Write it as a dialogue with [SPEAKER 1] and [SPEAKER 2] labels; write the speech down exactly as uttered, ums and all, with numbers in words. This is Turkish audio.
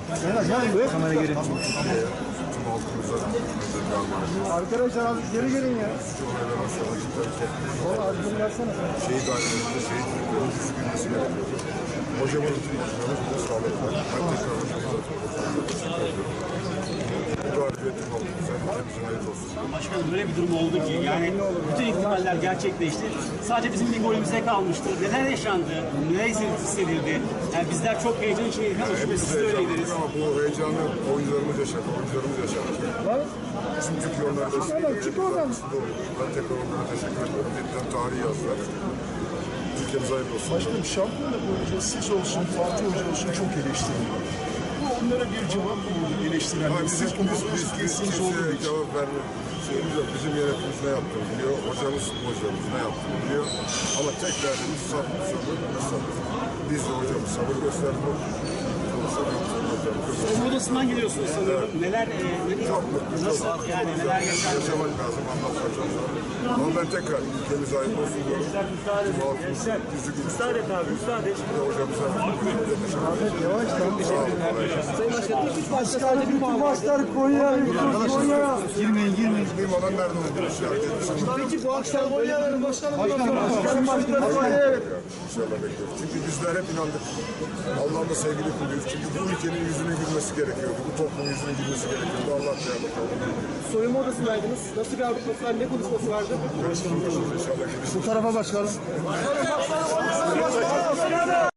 [SPEAKER 1] Kamera geri.
[SPEAKER 2] Arkadaşlar abi geri gelin ya. Valla az bunu versene.
[SPEAKER 3] Şehit ailelerinde şehit çocukların üzgünmesi gerekiyor. Hocamın burada sağladılar. Ben tekrar hocamıza teşekkür ediyorum. Bu galibiyetin oldu. Sen hepimizin hayırlı olsun.
[SPEAKER 4] Başkanım böyle bir durum oldu ki yani bütün ihtimaller gerçekleşti. Sadece bizim bir golümüze kalmıştı. Neler yaşandı? Neler hissedildi? Yani bizler çok heyecan içindeydik ama şüphesiz siz de öyleydiniz.
[SPEAKER 3] Ama bu heyecanı oyuncularımız yaşadı. Oyuncularımız yaşadı. Bizim Türkiye onlarda sıkıntı oluyor. Ben tekrar onlara teşekkür ediyorum. Yeniden tarihi yazdılar. Ülkemize hayırlı olsun.
[SPEAKER 2] Başkanım şampiyonluk boyunca siz olsun, Fatih Hoca olsun çok eleştiriliyor. Bu onlara bir cevap mı oldu eleştirenler?
[SPEAKER 3] Biz,
[SPEAKER 2] Siz
[SPEAKER 3] biz,
[SPEAKER 2] bunu
[SPEAKER 3] biz, biz, biz kimseye cevap vermiyor. Şeyimiz yok. Bizim yönetimimiz ne yaptığını biliyor. Hocamız, hocamız ne yaptığını biliyor. Ama tek derdimiz sabır, sabır ve sabır. Biz de hocamız sabır gösterdik.
[SPEAKER 4] Soyunma odasından geliyorsunuz sanıyorum. Neler, e, ne, nasıl yani neler yaşandı?
[SPEAKER 3] Yaşamak lazım, anlatmak lazım. Ama ben tekrar ülkemize hayırlı olsun diyorum. Yüzü gülsün.
[SPEAKER 1] Müsaade et abi, müsaade et.
[SPEAKER 3] Hocamıza
[SPEAKER 2] Yavaş
[SPEAKER 3] Sayın Başkanım.
[SPEAKER 2] Başkanım bütün maçlar Konya, Konya.
[SPEAKER 1] Girmeyin, girmeyin.
[SPEAKER 3] Benim olan nerede olduğunu işaret
[SPEAKER 2] Peki bu akşam Konya'nın başkanım. Başkanım, başkanım, başkanım.
[SPEAKER 3] İnşallah bekliyoruz. Çünkü bizler hep inandık. Allah'ın da sevgili kuluyuz. Çünkü bu ülkenin yüzünün gülmesi gerekiyordu. Bu toplumun yüzünün gülmesi gerekiyordu. Allah yardımcı olsun.
[SPEAKER 2] Soyunma odasındaydınız. Nasıl bir atmosfer, ne konuşması vardı?
[SPEAKER 3] İnşallah görüşürüz.
[SPEAKER 2] Bu tarafa başkanım.